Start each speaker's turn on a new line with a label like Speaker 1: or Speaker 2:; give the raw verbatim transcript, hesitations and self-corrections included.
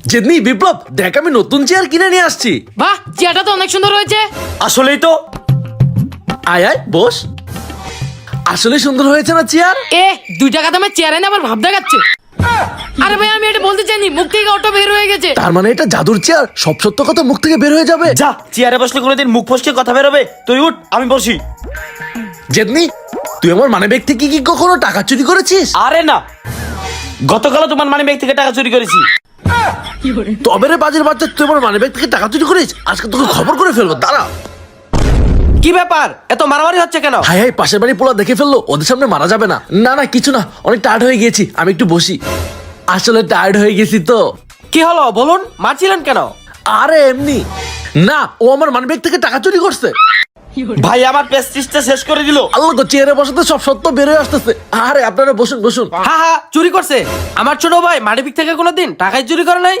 Speaker 1: যেদিন বিপ্লব দেখ আমি নতুন চেয়ার কিনে নিয়ে আসছি।
Speaker 2: বাহ, চেয়ারটা তো অনেক সুন্দর হয়েছে।
Speaker 3: আসলেই তো।
Speaker 1: আয় আয় বস। আসলে সুন্দর হয়েছে না চেয়ার?
Speaker 2: এ দুই টাকা দামের চেয়ার এনে আবার ভাব দেখাচ্ছে। আরে ভাই, আমি এটা বলতে চাইনি, মুখ থেকে অটো বের হয়ে গেছে।
Speaker 1: তার মানে এটা জাদুর চেয়ার, সব সত্য কথা মুখ থেকে বের হয়ে যাবে।
Speaker 3: যা, চেয়ারে বসলে কোনোদিন মুখ ফসকে কথা বেরোবে? তুই উঠ, আমি বসি।
Speaker 1: যেদিন তুই আমার মানে ব্যক্তি কি কি কখনো টাকা চুরি করেছিস?
Speaker 3: আরে না, গতকালও তোমার মানি ব্যাগ থেকে টাকা চুরি করেছি।
Speaker 1: তবে রে বাজের বাচ্চা, তুই আমার মানে ব্যক্তি থেকে টাকা চুরি করিস, আজকে তোকে খবর করে ফেলবো, দাঁড়া।
Speaker 3: কি ব্যাপার, এত মারামারি হচ্ছে কেন?
Speaker 1: হাই হাই, পাশের বাড়ি পোলা দেখে ফেললো, ওদের সামনে মারা যাবে না। না না কিছু না, অনেক টায়ার্ড হয়ে গেছি, আমি একটু বসি। আসলে টায়ার্ড হয়ে গেছি তো।
Speaker 3: কি হলো বলুন, মারছিলেন কেন?
Speaker 1: আরে এমনি না, ও আমার মানি ব্যাগ থেকে টাকা চুরি করছে।
Speaker 3: ভাই আমার প্রেস্টিজটা শেষ করে দিল।
Speaker 1: আল্লাহ গো, চেয়ারে বসাতে সব সত্য বের হয়ে আসতেছে। আরে আপনারা বসুন বসুন।
Speaker 3: হ্যাঁ হ্যাঁ, চুরি করছে। আমার ছোট ভাই মানিব্যাগ থেকে কোনোদিন টাকাই চুরি করে নাই।